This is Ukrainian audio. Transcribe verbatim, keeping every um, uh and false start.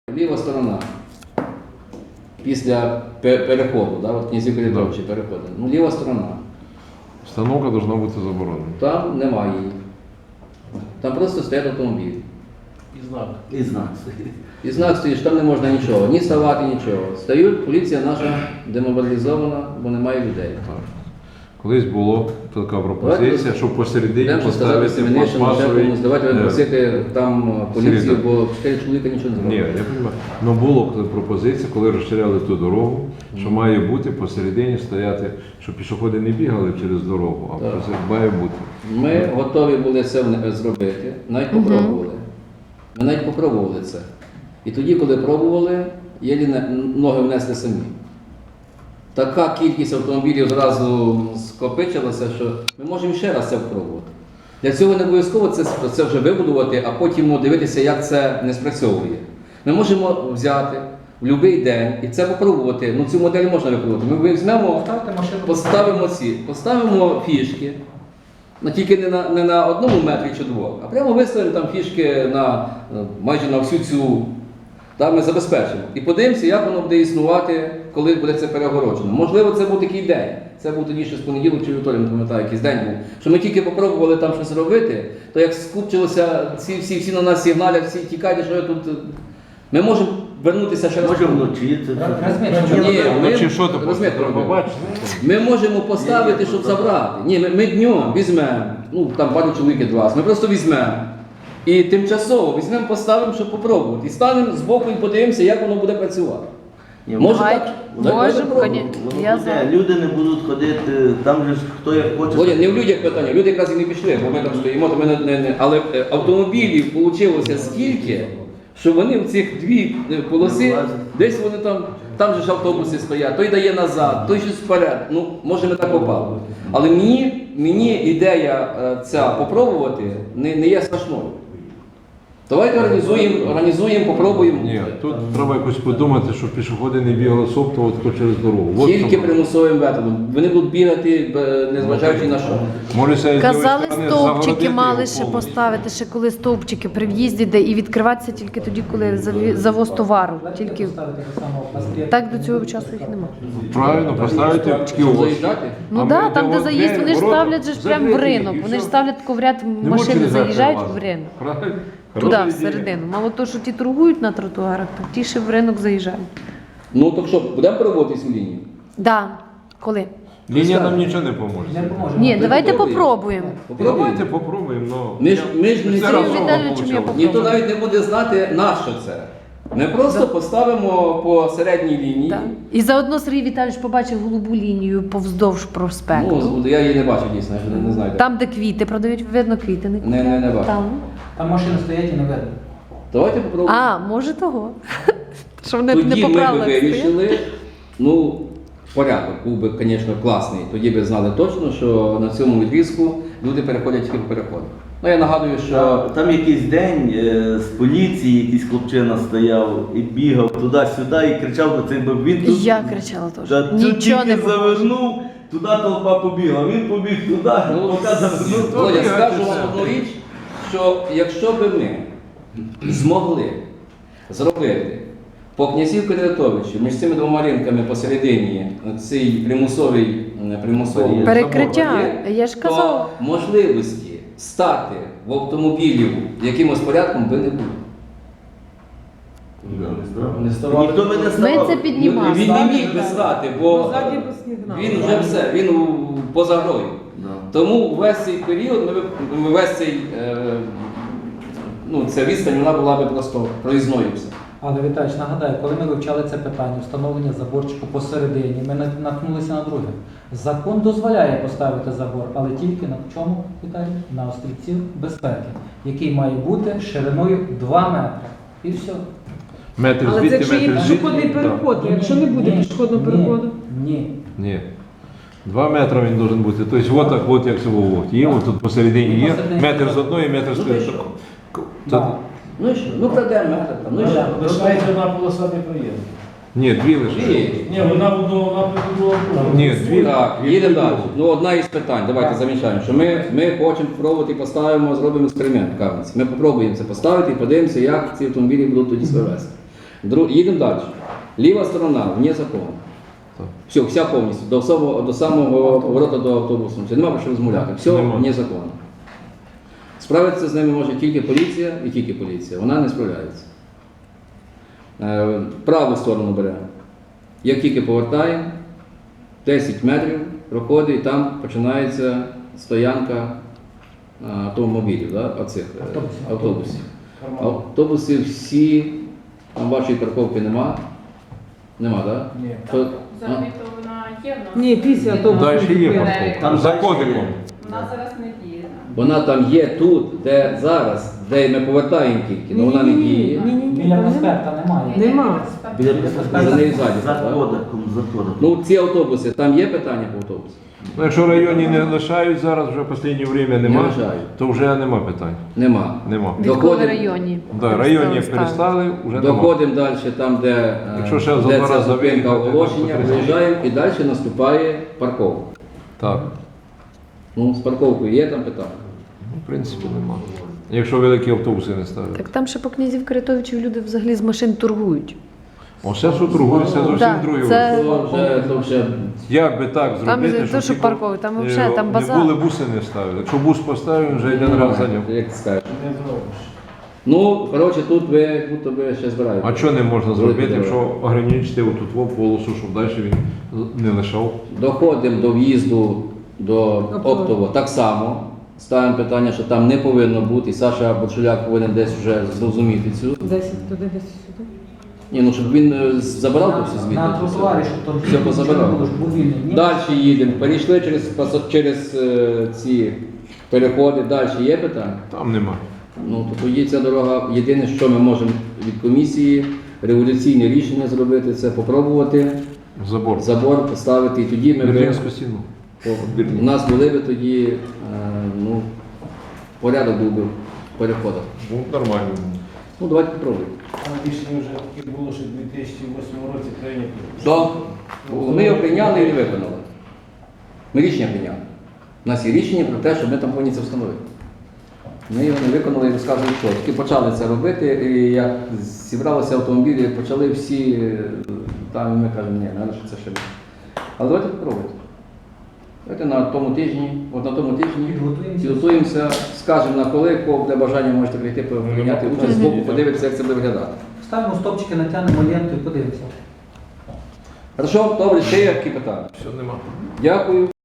Ліва сторона після переходу, да, от князів Калідровичі переходить. Ну, ліва сторона. Установка должна бути заборонена. Там немає її. Там просто стоять автомобілі. І знак. І знак стоїть. І знак стоїть, що там не можна нічого, ні ставати, нічого. Стають, поліція наша демобілізована, бо немає людей. Так. Колись була така пропозиція, щоб посередині Йдемо сказати поставити Семенишину, пластмасовий... комусь, давайте е, просити там поліцію, середину. бо чотири чоловіка нічого не Ні, зробили. я розумію. Ну було пропозиція, коли розширяли ту дорогу, що має бути посередині стояти, щоб пішоходи не бігали через дорогу, а Так. посеред має бути. Ми готові були це вне- зробити, навіть попробували. Ми навіть попробували це. І тоді, коли пробували, єлі не- ноги внесли самі. Така кількість автомобілів зразу скопичилася, що ми можемо ще раз це спробувати. Для цього не обов'язково це, це вже вибудувати, а потім дивитися, як це не спрацьовує. Ми можемо взяти в будь-який день і це попробувати. Ну, цю модель можна випробувати. Ми візьмемо, Ставте машину. поставимо ці, поставимо фішки, ну, тільки не на, не на одному метрі чи двох, а прямо виставимо там фішки на, е, майже на всю цю, так, ми забезпечимо. І подивимося, як воно буде існувати, коли буде це перегороджено. Можливо, це був такий день. Це був тоді ще з понеділок чи вівторок, не пам'ятаю, якийсь день був. Що ми тільки попробували там щось робити, то як скупчилося, всі, всі, всі на нас сигналять, всі тікайте, що я тут. Ми можемо вернутися ще раз. Може вночі це все. Розмір, Ні, Ну, ми, чи що то розумієте, треба Роман, побачити? ми можемо поставити, щоб забрати. Ні, ми, ми днем візьмемо, ну там пару чоловік два, ми просто візьмемо. І тимчасово візьмемо, поставимо, щоб попробувати. І станемо збоку і подивимося, як воно буде працювати. Ні, Може Давай, так? можемо, Давайте попробуємо. коні- Воно Я буде, за. люди не будуть ходити, там же ж хто як хоче. Володя, не в людях питання, люди якраз і не пішли, бо ми там стоїмо, то ми не, не, не. Але е, автомобілів вийшло стільки, що вони в цих дві е, полоси, десь вони там, там же ж автобуси стоять, той дає назад, той щось вперед. Ну, може ми так попали. Але мені, мені ідея е, ця попробувати не, не є страшною. Давайте організуємо, організуємо, попробуємо. Ні, тут треба якось подумати, щоб пішоходи не бігали соптово тако через дорогу. От Тільки чому. примусовим методом. Вони будуть бігати, е, незважаючи на що. Може, це з Казали, лівої сторони стовпчики загородити мали його ще повністю. поставити, ще коли стовпчики при в'їзді, де і відкриватися тільки тоді, коли заві- завоз товару. Тільки так до цього часу їх немає. Правильно, поставити Щоб кіоск. заїжджати? Ну А так, ми там, де йдемо заїзд, в вони ж ворота, ставлять же ж прямо в закриті, ринок. і Вони ж все. ставлять тако в ряд, Не машини можуть заїжджають влазити. в ринок. Правильно? Туди, Хороша ідея. всередину. Мало того, що ті торгують на тротуарах, так ті ще в ринок заїжджають. Ну так що, будемо проводити цю лінію? Да. Коли? Лінія нам нічого не поможе. Не поможе. Ні, давайте попробуємо. попробуємо. Попробуємо. Давайте попробуємо, ну. Ми ж, ми ж не Це Сергію разово Віталійовичу, я получилось. ніхто навіть не буде знати, на що це. Ми просто поставимо по середній лінії. Так. І заодно Сергій Віталійович побачив голубу лінію повздовж проспекту. Ну, я її не бачу дійсно, я не, не знаю. де. Там, де квіти продають, видно, квіти не Не, не, не бачу. Там. Там машини стоять і не видно. Давайте попробуємо. А, може того. Що вони не Тоді по ми б правилах стоять. вирішили, ну, порядок був би, звісно, класний. Тоді би знали точно, що на цьому відрізку люди переходять тільки по переходу. Ну, я нагадую, що Там, там якийсь день е, з поліції якийсь хлопчина стояв і бігав туди-сюди і кричав до цих, бо він тут Я кричала теж. та, тут Нічого не тільки було. завернув, туди толпа побігла, він побіг туди, Ну, поки завернув. Володя, то скажу бігати вам все. одну річ, що якщо би ми змогли зробити по князів Кадратовичу між цими двома ринками посередині цей примусовий, примусовий Перекриття. забор, Я ж то казала. можливості стати в автомобілі якимось порядком би не було. Ніхто би не Ми ставав. це піднімали. Він не міг би стати, бо він вже все, він у- поза грою. Да. Тому весь цей період, ми, б- ми весь цей, е, ну, ця відстань вона була би просто проїзною все. Але Віталійович, нагадаю, коли ми вивчали це питання, встановлення заборчику посередині, ми на- наткнулися на друге. Закон дозволяє поставити забор, але тільки на чому, Віталій? На острівців безпеки, який має бути шириною два метри. І все. Метр Але це звідти, якщо є метр звідти. пішохідний переход, якщо не буде Ні, пішохідного ні, переходу. Ні. Ні. Два метри він должен бути. Тобто, от так, от як цього от. Є, от тут посередині є. Метр з одної, метр з Ну, тої. ти що? Да. Ну і що? Ну крадемо метр там, ну і що? Лишається одна полоса не проїзд. Ні, дві лише. Дві. Ні, вона в одному напрямку, друга в другому. Ні, дві. Так, їдемо далі. Ну, одна із питань, давайте замічаємо, що ми, ми хочемо спробувати і поставимо, зробимо експеримент в Кам'янці. Ми спробуємо це поставити і подивимося, як ці автомобілі будуть тоді себе вести. Дру... Їдемо далі. Ліва сторона, вне закону. Так. Все, вся повністю, до самого, до самого поворота до автобусу. Це нема про що розмовляти. Все Нема. вне закону. Справитися з ними може тільки поліція і тільки поліція. Вона не справляється. Е, праву сторону бере. Як тільки повертаємо, десять метрів проходить, і там починається стоянка е, автомобілів, да? Оцих, е, Автобусів. автобусів. Нормально. Автобуси всі, там вашої парковки нема. Нема, так? Ні. Да? Взагалі то вона є в нас. Ні, після автобусу. Далі є Там парковка. За кодиком. Вона зараз не діє. Вона там є тут, де зараз, де ми повертаємо тільки, але вона не діє. Ні-ні-ні, Біля там проспекта немає. Нема. Біля За нею ззаді, за так? кодиком, за кодиком. Ну, ці автобуси, там є питання по автобусу? Ну, якщо в районі не лишають зараз, вже в останнє время нема, лишають. то вже нема питань. Нема. Нема. Відколи Доходимо- районі? Да, районі перестали, вже нема. Доходимо далі, там, де, е, Якщо ще за де два ця рази зупинка виїхати, оголошення, то виїжджаємо і далі наступає парковка. Так. Ну, з парковкою є там питання? Ну, в принципі, нема. Якщо великі автобуси не ставлять. Так там ще по князів Каритовичів люди взагалі з машин торгують. Оце що торгується зовсім Так, друге. це- То вже, то вже Як би так Там зробити, не то, що тільки, паркові, там е, взагалі, там базар. Не були буси не ставили. Якщо бус поставив, вже один раз зайняв. як ти скажеш. Не зробиш. Ну, коротше, тут ви, будто ви ще збираєте. А що не можна зробити, Великі якщо ограничити отут во полосу, щоб далі він не лишав? Доходимо до в'їзду до оптово так само. Ставимо питання, що там не повинно бути, і Саша Борчуляк повинен десь вже зрозуміти цю. десять туди, десять сюди. Ні, ну щоб він е, забирав то все На, звідти. на то все. тротуарі, щоб там Все позабирав. було, щоб був вільний. Ні. Далі їдемо, перейшли через, пасо- через е, ці переходи, далі є питання? Там нема. Ну, то тоді ця дорога, єдине, що ми можемо від комісії, революційне рішення зробити, це попробувати Забор. забор поставити, і тоді ми би, Берлінську стіну. у нас були би тоді, е, ну, порядок був би в переходах. Ну, нормально. Ну, давайте попробуємо. Там рішення вже таке було, що в дві тисячі восьмому році прийнято. Так. Ми його прийняли і не виконали. Ми рішення прийняли. У нас є рішення про те, що ми там повинні це встановити. Ми його не виконали і розказуємо, що. Тільки почали це робити, і як зібралися автомобілі, почали всі, е, там і ми кажемо, ні, треба, що це ще. Але давайте попробуйте. Давайте на тому тижні, от на тому тижні Підготуємося. підготуємося, скажемо на коли, кого буде бажання, можете прийти, прийняти участь з боку, подивитися, як це буде виглядати. Ставимо стопчики, натягнемо ленту і подивимося. Хорошо, добре, ще є які питання? Все нема. Дякую.